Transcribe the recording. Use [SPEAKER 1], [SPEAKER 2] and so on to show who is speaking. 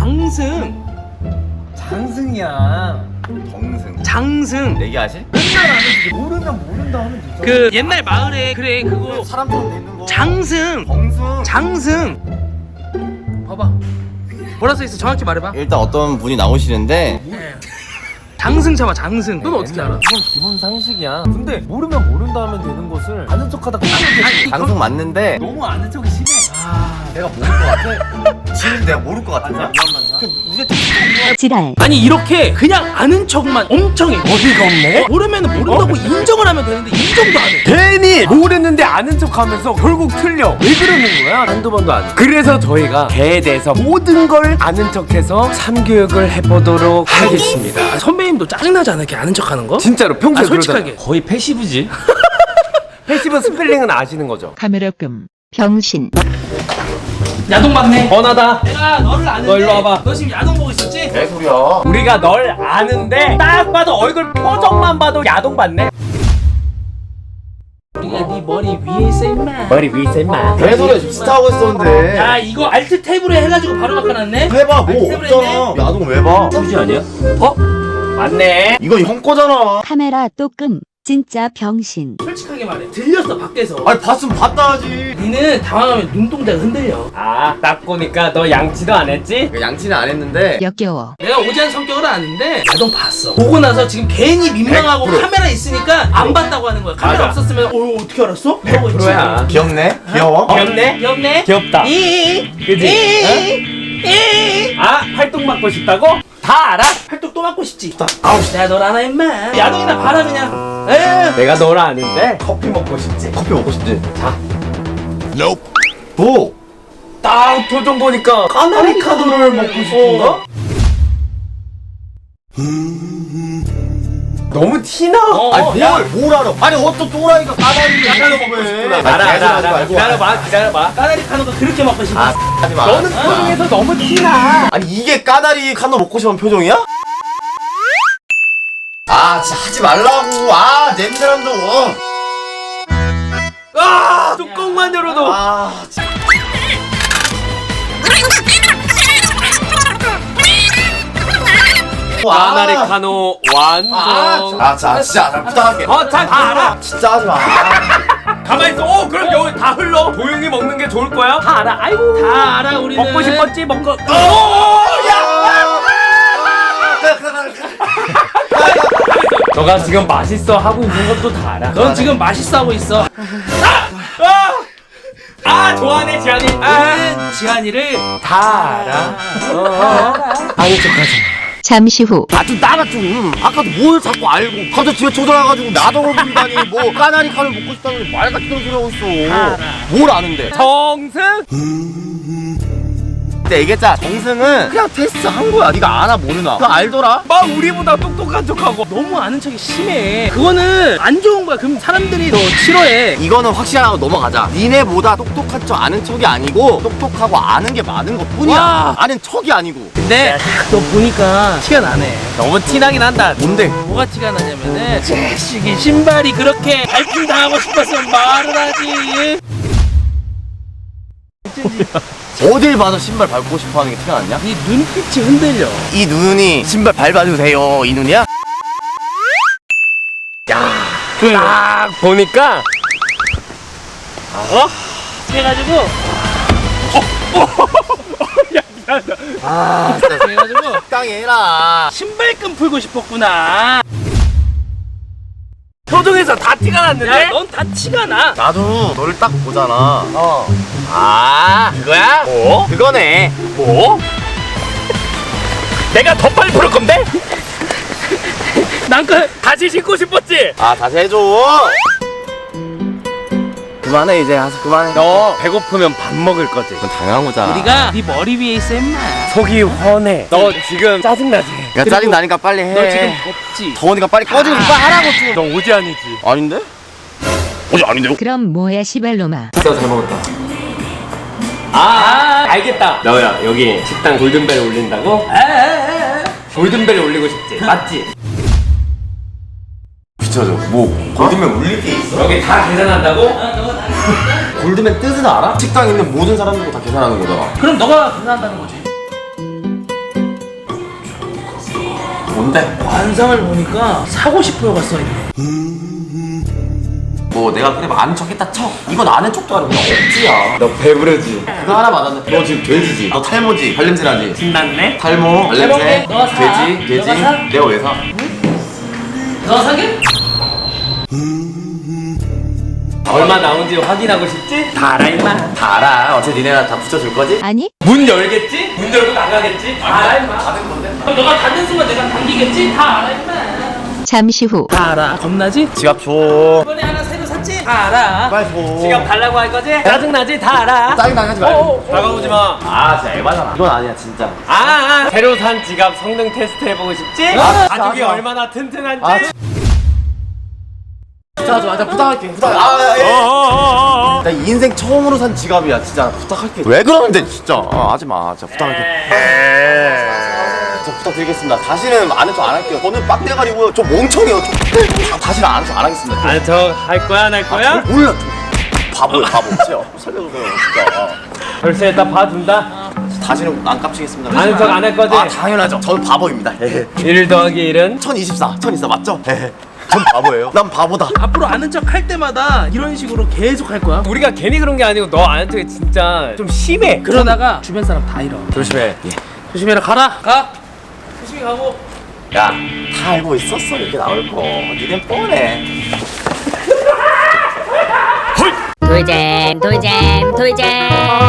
[SPEAKER 1] 장승.
[SPEAKER 2] 장승이야.
[SPEAKER 3] 정승.
[SPEAKER 1] 장승.
[SPEAKER 3] 얘기하실?
[SPEAKER 2] 맨날 아는데 모르면 모른다 하면 되죠.
[SPEAKER 1] 그 옛날 마을에 그래 그거
[SPEAKER 3] 사람처럼 돼 있는 거.
[SPEAKER 1] 장승.
[SPEAKER 3] 정승.
[SPEAKER 1] 장승. 봐봐. 뭐라 써 있어? 정확히 말해봐.
[SPEAKER 3] 일단 어떤 분이 나오시는데
[SPEAKER 1] 장승 잡아 장승. 넌 어떻게 알아?
[SPEAKER 2] 이건 기본 상식이야. 근데 모르면 모른다 하면 되는 것을 아는 척하다
[SPEAKER 1] 아니,
[SPEAKER 3] 장승 맞는데
[SPEAKER 2] 너무 아는 척이 심해.
[SPEAKER 3] 내가 모를 것 같아. 지금 내가 모를 것 같은데.
[SPEAKER 4] 지랄.
[SPEAKER 1] 아니 이렇게 그냥 아는 척만 엄청 해.
[SPEAKER 2] 어디가 없네?
[SPEAKER 1] 모르면 모른다고 인정을 하면 되는데 인정도 안 해.
[SPEAKER 2] 괜히 모르는데 아는 척하면서 결국 틀려. 왜 그러는 거야? 한두 번도 안 해. 그래서 저희가 개에 대해서 모든 걸 아는 척해서 3교육을 해보도록 하겠습니다.
[SPEAKER 1] 아, 선배님도 짜증나지 않아? 이렇게 아는 척하는 거?
[SPEAKER 2] 진짜로 평소에
[SPEAKER 1] 아, 솔직하게.
[SPEAKER 2] 그러잖아. 거의 패시브지. 패시브 스펠링은 아시는 거죠?
[SPEAKER 4] 카메라금. 병신.
[SPEAKER 1] 야동 봤네.
[SPEAKER 2] 번하다.
[SPEAKER 1] 내가 너를 아는데.
[SPEAKER 2] 너 일로 와봐.
[SPEAKER 1] 너 지금 야동 보고 있었지?
[SPEAKER 3] 개 소리야.
[SPEAKER 2] 우리가 널 아는데 딱 봐도 얼굴 표정만 봐도 야동 받네.
[SPEAKER 1] 우리가 네 머리 위에 있어 임마.
[SPEAKER 2] 머리 위에 있어 임마.
[SPEAKER 3] 개 소리야. 지금 스타 하고 있었는데.
[SPEAKER 1] 야 이거 알트 탭으로 해가지고 바로 바꿔놨네.
[SPEAKER 3] 해봐. 뭐
[SPEAKER 1] 알트 탭으로
[SPEAKER 3] 없잖아.
[SPEAKER 1] 했네.
[SPEAKER 3] 야동 왜 봐?
[SPEAKER 2] 휴지 아니야? 어? 맞네.
[SPEAKER 3] 이거 형 거잖아.
[SPEAKER 4] 카메라 또 끔. 진짜 병신.
[SPEAKER 1] 솔직하게 말해. 들렸어 밖에서.
[SPEAKER 3] 아니 봤으면 봤다 하지.
[SPEAKER 1] 니는 당황하면 눈동자가 흔들려.
[SPEAKER 2] 아, 딱 보니까 너 양치도 안 했지?
[SPEAKER 3] 양치는 안 했는데.
[SPEAKER 4] 역겨워.
[SPEAKER 1] 내가 오지한 성격을 아는데 야동 봤어. 보고 나서 지금 괜히 민망하고
[SPEAKER 3] 100%.
[SPEAKER 1] 카메라 있으니까 안 봤다고 하는 거야. 카메라
[SPEAKER 2] 맞아.
[SPEAKER 1] 없었으면 어떻게 알았어? 이러고 있지.
[SPEAKER 2] 100%야.
[SPEAKER 3] 귀엽네. 귀여워.
[SPEAKER 2] 귀엽네?
[SPEAKER 1] 귀엽네.
[SPEAKER 2] 귀엽다. 그지? 아, 활동 맡고 싶다고? 다 알아?
[SPEAKER 1] 팔뚝 또 맞고 싶지.
[SPEAKER 3] 아우
[SPEAKER 1] 내가 널 아나 임마. 야동이나 봐라 그냥. 에휴.
[SPEAKER 2] 내가 널 아는데 커피 먹고 싶지?
[SPEAKER 3] 커피 먹고 싶지.
[SPEAKER 2] 자,
[SPEAKER 3] 뭐?
[SPEAKER 2] 딱 표정 보니까 까나리 카도를 먹고 싶은가? 너무 티나?
[SPEAKER 3] 아니 뭘 알아? 아니 어떤 또라이가 까다리를 이렇게 먹으면.
[SPEAKER 2] 알아. 기다려봐.
[SPEAKER 1] 까나리 카노가 그렇게 먹고 싶어.
[SPEAKER 3] 아 하지 마.
[SPEAKER 2] 너는 표정에서 너무 티나.
[SPEAKER 3] 아니 이게 까다리 칸도 먹고 싶은 표정이야? 아 진짜 하지 말라고. 아 냄새난다.
[SPEAKER 2] 아, 뚜껑만 열어도.
[SPEAKER 3] 아 진짜.
[SPEAKER 2] 까나리 카노 완성.
[SPEAKER 3] 자 진짜 나 부탁할게.
[SPEAKER 2] 다 알아.
[SPEAKER 3] 진짜 하지 마.
[SPEAKER 2] 가만히 있어. 그럼 여기 다 흘러. 조용히 먹는 게 좋을 거야. 다 알아. 아이고.
[SPEAKER 1] 다 알아 우리는.
[SPEAKER 2] 먹고 싶었지? 먹고. 너가 지금 맛있어 하고 있는 것도 다 알아.
[SPEAKER 1] 넌 지금 맛있어 하고 있어.
[SPEAKER 2] 좋아하네 지한이.
[SPEAKER 1] 우리는 지한이를
[SPEAKER 2] 다 알아. 아니 척하지.
[SPEAKER 4] 잠시 후.
[SPEAKER 3] 아좀 나가 좀. 아까도 뭘 자꾸 알고 갑자기 집에 쳐들어가가지고 나더러 부리다니 뭐 까나리 칸을 먹고 싶다는 말 같은 소리 하고 있어. 뭘 아는데?
[SPEAKER 2] 정승.
[SPEAKER 3] 근데 얘기했잖아. 정승은 그냥 테스트 한 거야. 네가 아나 모르나? 그거 알더라?
[SPEAKER 2] 막 우리보다 똑똑한 척하고.
[SPEAKER 1] 너무 아는 척이 심해. 그거는 안 좋은 거야. 그럼 사람들이 더 싫어해.
[SPEAKER 3] 이거는 확실하고 넘어가자. 니네보다 똑똑한 척 아는 척이 아니고 똑똑하고 아는 게 많은 것 뿐이야.
[SPEAKER 1] 와.
[SPEAKER 3] 아는 척이 아니고.
[SPEAKER 1] 근데 너 보니까 티가 나네.
[SPEAKER 2] 너무 티나긴 한다.
[SPEAKER 3] 뭔데?
[SPEAKER 1] 뭐가 티가 나냐면은 자식이 신발이 그렇게 발품 당하고 싶었으면 말을 하지.
[SPEAKER 3] 어딜 봐서 신발 밟고 싶어 하는 게 티가 났냐?
[SPEAKER 1] 네 눈빛이 흔들려.
[SPEAKER 3] 이 눈이 신발 밟아도 돼요. 이 눈이야?
[SPEAKER 2] 딱 보니까
[SPEAKER 1] 그래가지고
[SPEAKER 3] 아 진짜
[SPEAKER 1] 그래가지고
[SPEAKER 3] 적당히 해라.
[SPEAKER 1] 신발끈 풀고 싶었구나.
[SPEAKER 2] 표정에서 다 티가 났는데?
[SPEAKER 1] 야, 넌 다 티가 나.
[SPEAKER 3] 나도 너를 딱 보잖아. 아 그거야?
[SPEAKER 2] 뭐?
[SPEAKER 3] 그거네.
[SPEAKER 2] 뭐? 내가 더 빨리 풀을 건데?
[SPEAKER 1] 난 그
[SPEAKER 2] 다시 신고 싶었지?
[SPEAKER 3] 아 다시 해줘. 그만해 이제. 가서 그만해.
[SPEAKER 2] 너 배고프면 밥 먹을 거지?
[SPEAKER 3] 그건 당연한 거잖아.
[SPEAKER 1] 우리가 네 머리 위에 있어 임마.
[SPEAKER 2] 속이 훤해. 너 지금 짜증나지?
[SPEAKER 3] 야 짜증 나니까 빨리 해.
[SPEAKER 1] 너 지금 덥지?
[SPEAKER 3] 더우니까 빨리 꺼지고 빨리 하라고 좀.
[SPEAKER 2] 너 오지안이지?
[SPEAKER 3] 아닌데? 아닌데요?
[SPEAKER 4] 그럼 뭐야 시발로마.
[SPEAKER 2] 진짜 잘 먹었다. 알겠다. 너야 여기 식당 골든벨 올린다고? 골든벨 올리고 싶지? 맞지?
[SPEAKER 3] 비춰줘. 뭐 골드맨 울릴 게 있어?
[SPEAKER 2] 여기 다 계산한다고?
[SPEAKER 3] 골드맨 뜻은 알아? 식당에 있는 모든 사람들도 다 계산하는 거잖아.
[SPEAKER 1] 그럼 너가 계산한다는 거지.
[SPEAKER 3] 뭔데?
[SPEAKER 1] 관상을 보니까 사고 싶어요가 써있네.
[SPEAKER 3] 뭐 내가 그래 아는 척 했다 쳐. 이건 아는 척도 아니고 그냥 억지야.
[SPEAKER 2] 너 배부르지?
[SPEAKER 3] 그거 하나 맞았네. 너 지금 돼지지? 너 탈모지? 발냄새 나지?
[SPEAKER 2] 신났네?
[SPEAKER 3] 탈모, 발냄새,
[SPEAKER 1] 해볼게. 너가 사.
[SPEAKER 3] 돼지,
[SPEAKER 1] 너가 사?
[SPEAKER 3] 내가 왜 사?
[SPEAKER 1] 너가 사게?
[SPEAKER 2] 얼마 나온지 확인하고 싶지? 다 알아 임마.
[SPEAKER 3] 다 알아. 어차피 니네가 다 붙여줄 거지?
[SPEAKER 4] 아니?
[SPEAKER 2] 문 열겠지? 문 열고 나가겠지? 다 알아 임마.
[SPEAKER 3] 받은 건데?
[SPEAKER 1] 그럼 너가 닫는 순간 내가 당기겠지? 다 알아 임마.
[SPEAKER 4] 잠시 후.
[SPEAKER 1] 다 알아. 겁나지?
[SPEAKER 3] 지갑 줘.
[SPEAKER 1] 이번에 하나 새로 샀지? 다 알아.
[SPEAKER 3] 빨리 줘.
[SPEAKER 2] 지갑 달라고 할 거지? 짜증나지? 다 알아.
[SPEAKER 3] 짜증나게 하지 말고.
[SPEAKER 2] 다가오지 마.
[SPEAKER 3] 아 진짜 에바잖아. 이건 아니야 진짜.
[SPEAKER 2] 새로 산 지갑 성능 테스트 해보고 싶지?
[SPEAKER 3] 아,
[SPEAKER 2] 가죽이
[SPEAKER 3] 진짜.
[SPEAKER 2] 얼마나 튼튼한지?
[SPEAKER 3] 아, 진짜 나 부탁할게. 부탁. 나 인생 처음으로 산 지갑이야. 진짜 부탁할게. 왜 그러는데 진짜. 하지 마. 진짜 부탁할게. 저 부탁드리겠습니다. 다시는 아는 척 안 할게요. 저는 빡대가리고요. 저 멍청해요. 다시는 아는 척 안 하겠습니다.
[SPEAKER 2] 아는 척할 거야 안 할 거야?
[SPEAKER 3] 몰라. 바보요 바보. 제가 살려주세요 진짜.
[SPEAKER 2] 벌써 일단 봐준다.
[SPEAKER 3] 다시는 안 깝치겠습니다.
[SPEAKER 2] 아는 척 안 할 거지?
[SPEAKER 3] 아 당연하죠. 저는 바보입니다.
[SPEAKER 2] 1 더하기 1은?
[SPEAKER 3] 1024 맞죠? 전 바보예요. 난 바보다.
[SPEAKER 1] 앞으로 아는 척 할 때마다 이런 식으로 계속 할 거야.
[SPEAKER 2] 우리가 괜히 그런 게 아니고 너 아는 척이 진짜 좀 심해.
[SPEAKER 1] 그러다가 주변 사람 다 잃어.
[SPEAKER 2] 조심해.
[SPEAKER 1] 조심해라. 가라. 가. 조심히 가고.
[SPEAKER 3] 야, 다 알고 있었어. 이렇게 나올 거. 니넨 뻔해.
[SPEAKER 5] 돌잼 돌잼 돌잼